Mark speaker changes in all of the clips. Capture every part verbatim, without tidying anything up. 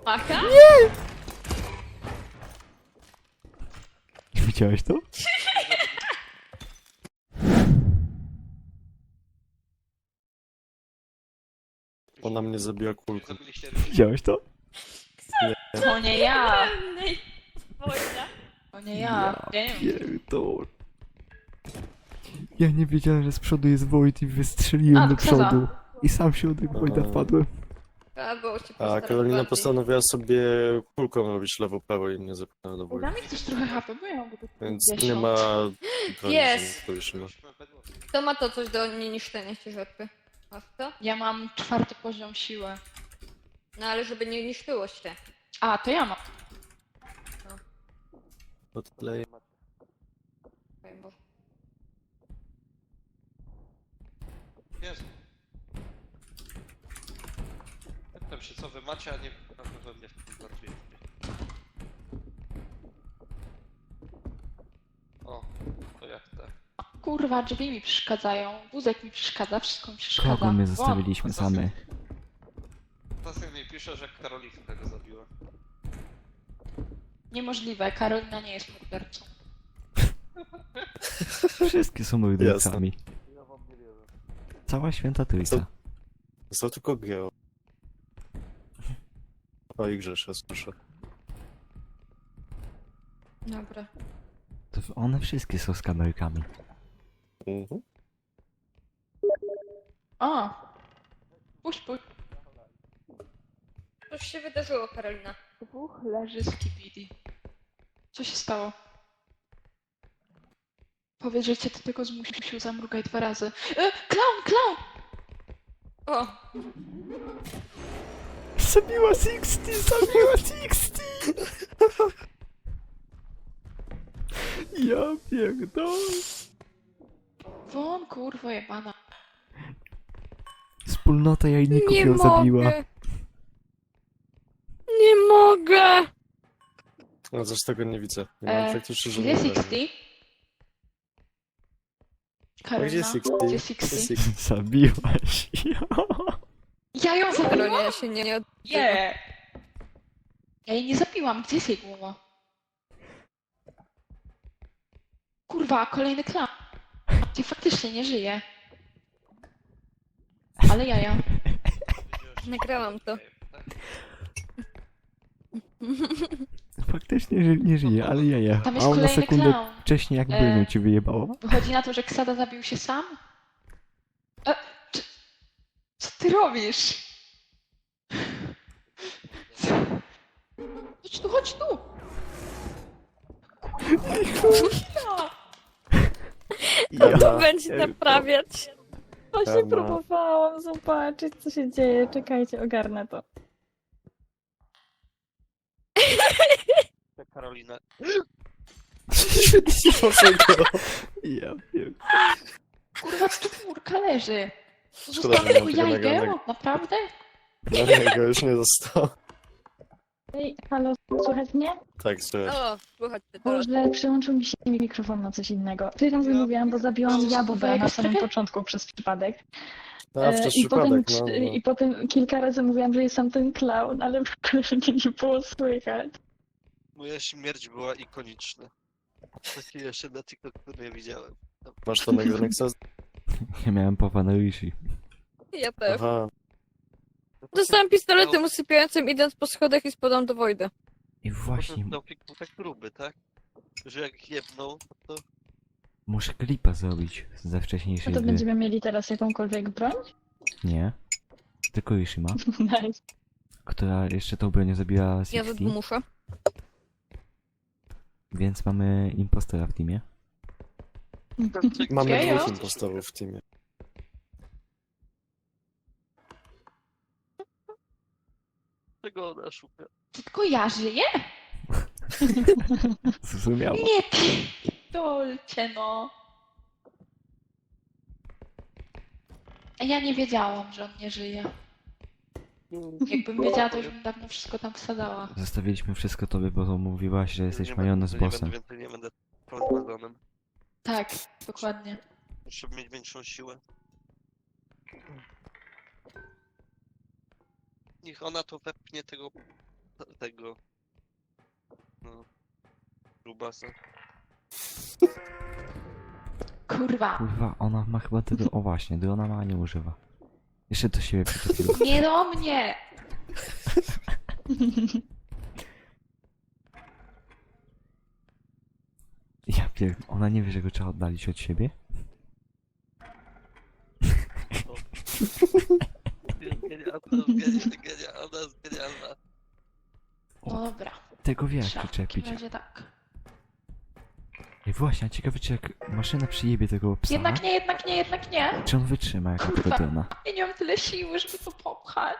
Speaker 1: Aha?
Speaker 2: Widziałeś to?
Speaker 3: Ona mnie zabija kulką.
Speaker 2: Widziałeś to?
Speaker 4: To nie ja!
Speaker 1: Pełnej wojna.
Speaker 4: To nie ja. Ja nie wiem.
Speaker 2: Pierdol. Ja nie wiedziałem, że z przodu jest Wojt i wystrzeliłem
Speaker 4: A,
Speaker 2: do
Speaker 4: to Ksaza.
Speaker 2: przodu. I sam się od tego Wojta wpadłem.
Speaker 1: Albo się
Speaker 3: A
Speaker 1: postarać
Speaker 3: Karolina
Speaker 1: bardziej.
Speaker 3: postanowiła sobie kulką robić lewo-prawo i mnie zepchnęła do
Speaker 4: Da
Speaker 3: wojny.
Speaker 4: mi ktoś trochę H P, bo ja mam tylko
Speaker 3: Więc nie
Speaker 4: pięćdziesiąt.
Speaker 3: ma broni,
Speaker 1: Jest.
Speaker 3: że to już ma.
Speaker 1: To ma to coś do nieniszczenia ciężarki. Masz to?
Speaker 4: Ja mam czwarty poziom siły.
Speaker 1: No ale żeby nie niszczyło się.
Speaker 4: A, to ja mam.
Speaker 3: Odkleję.
Speaker 1: Oj, Boże.
Speaker 5: Jezu. Pytam się, co wy macie, a nie na pewno mnie w tym pracujecie. O, to jak te.
Speaker 4: Kurwa, drzwi mi przeszkadzają. Wózek mi przeszkadza, wszystko mi przeszkadza.
Speaker 2: Kogo my
Speaker 4: Wow.
Speaker 2: zostawiliśmy same?
Speaker 5: Tasek mi pisze, że Karolinka go zabiła.
Speaker 4: Niemożliwe, Karolina nie jest mordercą.
Speaker 2: Wszystkie są mordercami.
Speaker 5: Ja wam nie wierzę.
Speaker 2: Cała święta trójca.
Speaker 3: Został tylko Geo. O i Grzesza, słyszę.
Speaker 1: Dobra.
Speaker 2: To one wszystkie są z kamerkami.
Speaker 3: Mhm.
Speaker 4: O! Puść, puść.
Speaker 1: Coś się wydarzyło, Karolina.
Speaker 4: Dwóch leży z kibidi. Co się stało? Powiedz, że cię do tego zmusił, zamrugaj dwa razy. E, clown, clown!
Speaker 1: O!
Speaker 2: Zabiła Sixty! Zabiła Sixty! Ja pierdolę.
Speaker 4: Won, kurwa jebana.
Speaker 2: Wspólnota jajników
Speaker 1: Nie
Speaker 2: ją
Speaker 1: mogę!
Speaker 2: zabiła.
Speaker 1: Nie mogę!
Speaker 3: No coś tego nie widzę. Nie mam
Speaker 4: E,
Speaker 3: faktycznie
Speaker 4: Gdzie
Speaker 3: żadnego.
Speaker 4: Sixty?
Speaker 3: A
Speaker 4: Karolina,
Speaker 3: gdzie Sixty?
Speaker 4: Gdzie
Speaker 3: Gdzie
Speaker 4: Sixty?
Speaker 3: Sixty?
Speaker 2: Zabiłaś ją.
Speaker 4: Ja ją zabiłam?
Speaker 1: Karolina się nie, nie od...
Speaker 4: Nie! Ja jej nie zabiłam, gdzie jest jej głowa? Kurwa, kolejny klan. Gdzie faktycznie nie żyje. Ale jaja.
Speaker 1: Nagrałam to.
Speaker 2: Faktycznie ży- nie żyje, ale jaja.
Speaker 4: Tam
Speaker 2: A
Speaker 4: jest
Speaker 2: ona
Speaker 4: kolejny
Speaker 2: sekundę
Speaker 4: clown.
Speaker 2: wcześniej jak
Speaker 4: E.
Speaker 2: bronią ci wyjebało.
Speaker 4: Wychodzi na to, że Ksada zabił się sam? E, czy... Co ty robisz? Chodź tu, chodź tu! Kurwa!
Speaker 2: Ja
Speaker 1: To będzie
Speaker 2: pierdolę.
Speaker 1: naprawiać.
Speaker 6: Właśnie
Speaker 3: Temat.
Speaker 6: próbowałam zobaczyć, co się dzieje. Czekajcie, ogarnę to.
Speaker 5: Karolina.
Speaker 2: Ja pierdolę.
Speaker 4: Kurwa, czwórka leży.
Speaker 3: Szkoda,
Speaker 4: Zostało
Speaker 3: że nie
Speaker 4: tylko
Speaker 3: mam tego
Speaker 4: jajgę?
Speaker 3: nagranego.
Speaker 4: Naprawdę?
Speaker 3: No nie, go już nie zostało.
Speaker 6: Ej, halo, słychać mnie?
Speaker 3: Tak, słuchaj.
Speaker 1: O, słuchaj, ty teraz.
Speaker 6: Boże, przyłączył mi się mikrofon na coś innego. Tyle razy
Speaker 5: Ja
Speaker 6: mówiłam, bo zabiłam
Speaker 4: pierdolę.
Speaker 6: Jabłę na samym początku przez przypadek.
Speaker 3: A,
Speaker 6: E,
Speaker 3: przez
Speaker 6: I potem,
Speaker 3: przypadek, no.
Speaker 6: I potem kilka razy mówiłam, że jestem ten clown, ale w ogóle mnie nie było słychać.
Speaker 5: Moja śmierć była ikoniczna. Taki jeszcze na TikToku nie widziałem.
Speaker 3: no. Masz to nagrane, Ksaz?
Speaker 2: Ja miałem Papa na Rishi.
Speaker 1: Ja też.
Speaker 3: Aha.
Speaker 1: Dostałem pistoletem usypiającym, idąc po schodach i spadam do Wojda.
Speaker 2: I właśnie,
Speaker 5: Potem Taufik był tak gruby, tak? Że jak jebnął, to
Speaker 2: muszę klipa zrobić ze
Speaker 6: No
Speaker 2: wcześniejszej
Speaker 6: to
Speaker 2: gry.
Speaker 6: będziemy mieli teraz jakąkolwiek broń?
Speaker 2: Nie. Tylko Rishi ma,
Speaker 6: Nice.
Speaker 2: która jeszcze tą bronią zabiła
Speaker 1: Ja
Speaker 2: Sixty,
Speaker 1: ze muszę.
Speaker 2: więc mamy impostora w teamie.
Speaker 3: Mamy
Speaker 4: Jejo.
Speaker 3: dwóch impostorów w teamie.
Speaker 5: czego ona szuka?
Speaker 4: To tylko ja żyję?
Speaker 2: Zrozumiała.
Speaker 4: Nie pierdolcie, no. A ja nie wiedziałam, że on nie żyje. Jakbym wiedziała, to już bym dawno wszystko tam wsadzała.
Speaker 2: Zostawiliśmy wszystko tobie, bo mówiłaś, że jesteś
Speaker 5: Nie
Speaker 2: majonez
Speaker 5: będę- nie
Speaker 2: bossem.
Speaker 5: będę więcej, nie będę Wazonem.
Speaker 4: Tak, dokładnie.
Speaker 5: Muszę mieć większą siłę. Niech ona to wepchnie tego tego... No... Grubasa.
Speaker 4: Kurwa.
Speaker 2: Kurwa, ona ma chyba tego... O właśnie, gdy ona ma, nie używa. Jeszcze do siebie przytopił.
Speaker 4: Nie do mnie!
Speaker 2: Ja pier... Ona nie wie, że go trzeba oddalić od siebie?
Speaker 5: Genialna, genialna, genialna.
Speaker 4: Dobra.
Speaker 2: Tego wie, jak
Speaker 4: Trzeba w
Speaker 2: przyczepić.
Speaker 4: takim razie tak.
Speaker 2: I właśnie, a ciekawe, czy jak maszyna przyjebie tego psa,
Speaker 4: Jednak nie, jednak nie, jednak nie.
Speaker 2: czy on wytrzyma jako
Speaker 4: Kurwa.
Speaker 2: Frodyna?
Speaker 4: Ja nie mam tyle siły, żeby to popchać.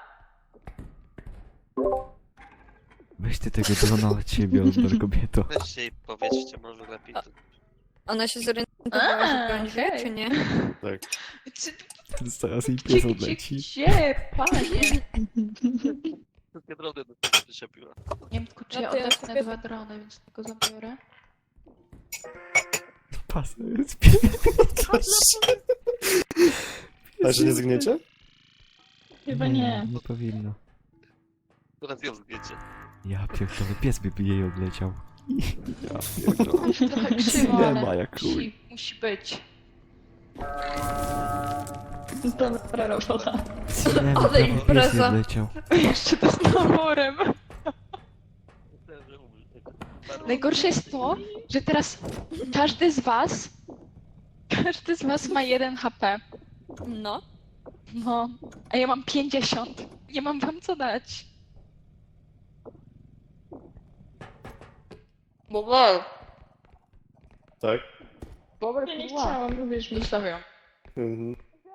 Speaker 2: Weź ty tego drona od siebie, odbior kobieto.
Speaker 5: Weźcie i powiedzcie może lepiej. To...
Speaker 1: Ona się zorientowała,
Speaker 4: A,
Speaker 1: że on żyje,
Speaker 4: okej.
Speaker 1: czy nie?
Speaker 3: Tak.
Speaker 4: Czy,
Speaker 2: Zaraz jej
Speaker 4: gdzie,
Speaker 2: pies
Speaker 4: gdzie,
Speaker 2: odleci.
Speaker 4: gdzie, panie?
Speaker 5: Wszystkie drony do tego przyczepiła.
Speaker 4: Nie wiem tylko, czy
Speaker 1: No
Speaker 4: ja
Speaker 1: to ja
Speaker 4: odepnę
Speaker 1: sobie-
Speaker 4: dwa drony, więc tylko zabiorę.
Speaker 2: Pas jest pies.
Speaker 3: A że nie zgniecie?
Speaker 6: Chyba nie.
Speaker 2: Nie powinno.
Speaker 5: Teraz ją zgiecie.
Speaker 2: Ja pierdolę, pies by jej odleciał. Ja pierdolę.
Speaker 4: Trochę krzywo,
Speaker 2: Cinema
Speaker 4: ale
Speaker 2: jak chuj.
Speaker 4: musi, musi być.
Speaker 6: Dobra robota.
Speaker 2: Cinema,
Speaker 1: Ale
Speaker 2: prawie pies
Speaker 1: impreza.
Speaker 2: nie odleciał.
Speaker 4: Jeszcze to z naborem.
Speaker 5: Myślałem, że umrze. Bardzo-
Speaker 4: Najgorsze jest to, że teraz każdy z was, każdy z was ma jeden H P.
Speaker 1: No.
Speaker 4: No, a ja mam pięćdziesiąt. Nie mam wam co dać. Bobol.
Speaker 3: Tak?
Speaker 4: Bobol
Speaker 6: Ja nie chciałam, lubisz mi.
Speaker 4: Zostawiam.
Speaker 3: Mhm.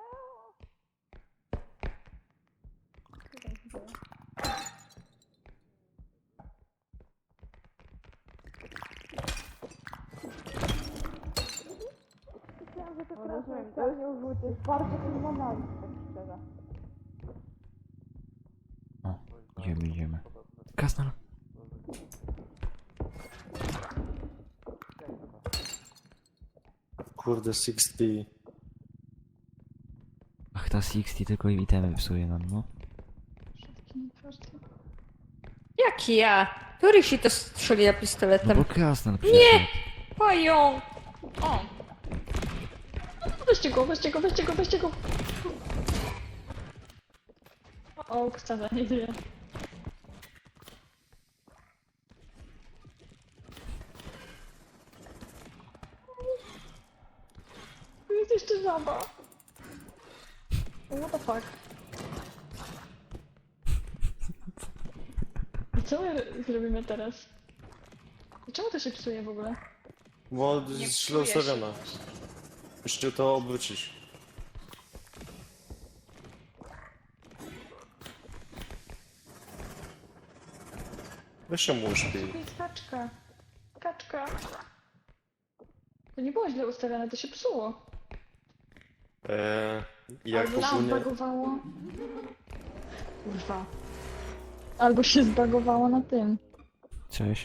Speaker 2: O, idziemy, idziemy. Kasnal.
Speaker 3: Kurde, sześćdziesiąt.
Speaker 2: Ach, ta sześćdziesiąt tylko itemy psuje nam, no.
Speaker 1: Jak ja? Który się to strzeli
Speaker 2: No
Speaker 1: pistoletem?
Speaker 2: bo Kasnal przyszedł.
Speaker 1: Pająk!
Speaker 4: O,
Speaker 6: Weźcie go, weźcie go, weźcie go, weźcie go. O, wcale nie żyje. Tu jest jeszcze żaba. What the fuck? I co my zrobimy teraz? Czemu to się psuje w ogóle?
Speaker 3: Bo
Speaker 4: nie
Speaker 3: jest źle
Speaker 4: psuje się.
Speaker 3: ustawiona. Musicie to obrócić. Weź się mu uśpij.
Speaker 6: To jest kaczka. Kaczka. To nie było źle ustawione, to się psuło.
Speaker 3: Eee, jak
Speaker 6: Albo się
Speaker 3: ogólnie...
Speaker 6: zbagowało. Kurwa. Albo się zbagowało na tym.
Speaker 2: Cześć.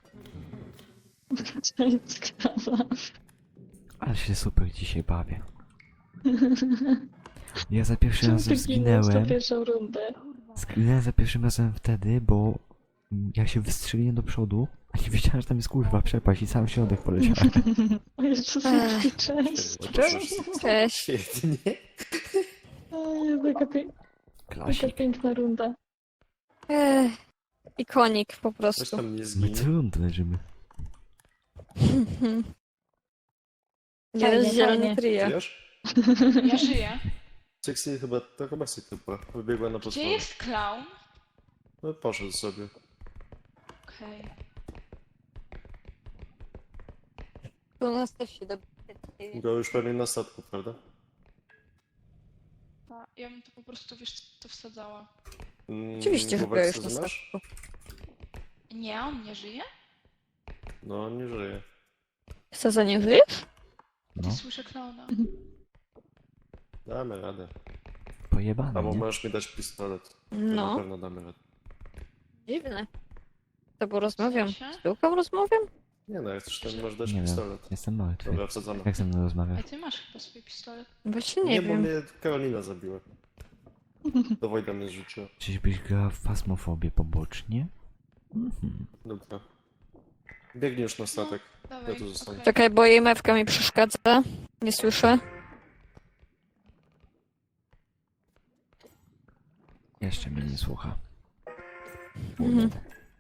Speaker 6: Cześć, krawa.
Speaker 2: Ale się super dzisiaj bawię. Ja za pierwszym
Speaker 6: Czemu
Speaker 2: razem
Speaker 6: ty ginąłeś
Speaker 2: zginęłem.
Speaker 6: na pierwszą rundę?
Speaker 2: Zginęłem za pierwszym razem wtedy, bo mm, ja się wystrzeliłem do przodu, a nie wiedziałem, że tam jest kurwa przepaść i sam środek poleciałem.
Speaker 6: O Jezus,
Speaker 1: Ech.
Speaker 6: jaki cześć.
Speaker 1: Cześć.
Speaker 3: Świetnie.
Speaker 6: O Jezu, jaka, pie... jaka
Speaker 2: Klasik.
Speaker 6: piękna runda.
Speaker 1: Ech, ikonik po
Speaker 3: Weź
Speaker 1: prostu.
Speaker 3: tam nie
Speaker 2: My
Speaker 3: zginie.
Speaker 2: trud leżymy.
Speaker 1: Jeden
Speaker 6: Fajnie,
Speaker 1: zielony
Speaker 6: fajnie.
Speaker 1: trio.
Speaker 3: Wiesz?
Speaker 4: ja żyję.
Speaker 3: Sexy chyba, to chyba Sexy chyba. Wybiegła na
Speaker 4: Gdzie
Speaker 3: podwórze.
Speaker 4: jest clown?
Speaker 3: No poszedł sobie.
Speaker 4: Okej.
Speaker 1: Tu nas też się do...
Speaker 3: Go już pewnie na statku, prawda?
Speaker 4: A, ja bym to po prostu, wiesz, co wsadzała.
Speaker 3: Mm,
Speaker 1: Oczywiście, że
Speaker 3: głowek
Speaker 1: byłeś
Speaker 3: co
Speaker 1: na
Speaker 3: znasz?
Speaker 1: statku.
Speaker 4: Nie, on nie żyje?
Speaker 3: No, nie żyje.
Speaker 1: Co, za nie żyjesz?
Speaker 2: No,
Speaker 4: Ty słyszę klauna.
Speaker 3: Damy radę.
Speaker 2: pojebane,
Speaker 3: Albo
Speaker 2: nie?
Speaker 3: możesz mi dać pistolet. To Na
Speaker 1: No,
Speaker 3: pewno damy radę.
Speaker 1: dziwne. To bo rozmawiam.
Speaker 4: W sensie?
Speaker 1: Z tyłką rozmawiam?
Speaker 3: Nie no, jak chcesz, to mi możesz dać
Speaker 2: Nie wiem,
Speaker 3: pistolet.
Speaker 2: jestem martwy.
Speaker 3: Dobra, wsadzamy.
Speaker 2: Jak ze mną
Speaker 4: A
Speaker 2: rozmawiasz?
Speaker 4: ty masz chyba swój pistolet.
Speaker 1: Właśnie nie,
Speaker 3: Nie, bo
Speaker 1: wiem.
Speaker 3: mnie Karolina zabiła. Do Wojda mnie zrzuciła.
Speaker 2: Czyżbyś grała w fasmofobię pobocznie? Mhm.
Speaker 3: Dobra. Biegnij już na statek.
Speaker 4: Dawaj,
Speaker 3: Ja tu zostanę.
Speaker 4: okej.
Speaker 1: Czekaj, bo jej mewka mi przeszkadza. Nie słyszę.
Speaker 2: Jeszcze mnie nie słucha.
Speaker 1: Mhm.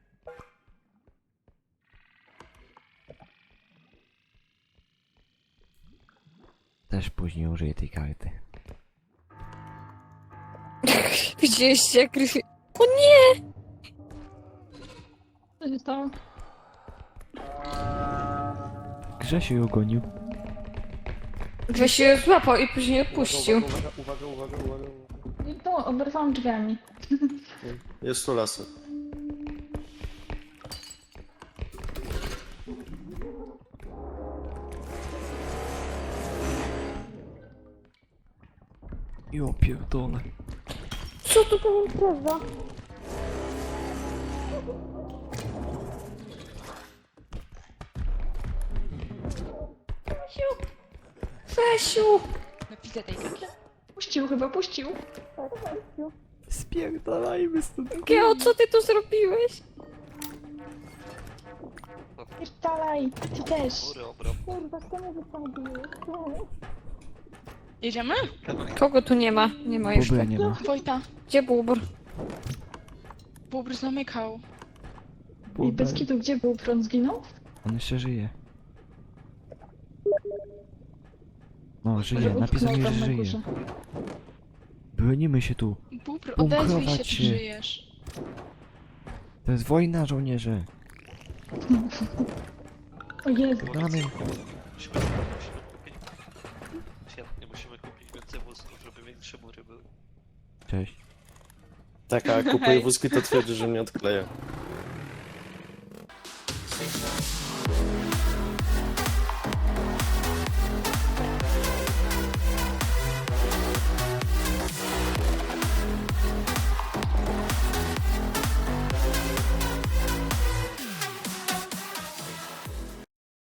Speaker 2: Też później użyję tej karty.
Speaker 1: Widzieliście jak Gryfi... O nie!
Speaker 6: Co się stało?
Speaker 2: Grzesiu ją gonił.
Speaker 1: Grzesiu ją złapał i później odpuścił.
Speaker 3: Uwaga, uwaga, uwaga, uwaga, uwaga.
Speaker 6: I tu oberwałam drzwiami.
Speaker 3: Jest tu lasy.
Speaker 2: Jo pierdolę.
Speaker 1: Co to za impreza? Fesiu! Fesiu!
Speaker 4: No widzę tej kaki.
Speaker 6: Puścił chyba, puścił.
Speaker 2: Spierdalajmy stąd.
Speaker 1: Geo, co ty tu zrobiłeś?
Speaker 6: Pierdalaj, ty też.
Speaker 5: Góry obrał.
Speaker 6: Kurwa, kto mnie wysadził?
Speaker 4: Jedziemy?
Speaker 1: Kogo tu nie ma? Nie ma jeszcze.
Speaker 2: Bobra nie ma.
Speaker 4: Wojta,
Speaker 1: Gdzie Bubr?
Speaker 4: Bóbr zamykał.
Speaker 6: I
Speaker 2: Bobra.
Speaker 6: bez kitu, gdzie był? Prąd zginął?
Speaker 2: On jeszcze żyje. No, żyje.
Speaker 6: Że
Speaker 2: Napisał
Speaker 6: utknął
Speaker 2: mi, że
Speaker 6: tam na
Speaker 2: żyje.
Speaker 6: górze.
Speaker 2: Bronimy się tu.
Speaker 4: Bóbr, odezwij się,
Speaker 2: Bunkrować
Speaker 4: czy
Speaker 2: się.
Speaker 4: żyjesz.
Speaker 2: To jest wojna, żołnierze.
Speaker 6: O Jezu.
Speaker 2: Gramy.
Speaker 5: Musimy, musimy kupić... Świetnie, musimy kupić więcej wózków, żeby większe mury były.
Speaker 2: Cześć.
Speaker 3: Tak, a kupuję
Speaker 4: Hej.
Speaker 3: wózki, to twierdzi, że mnie odkleja.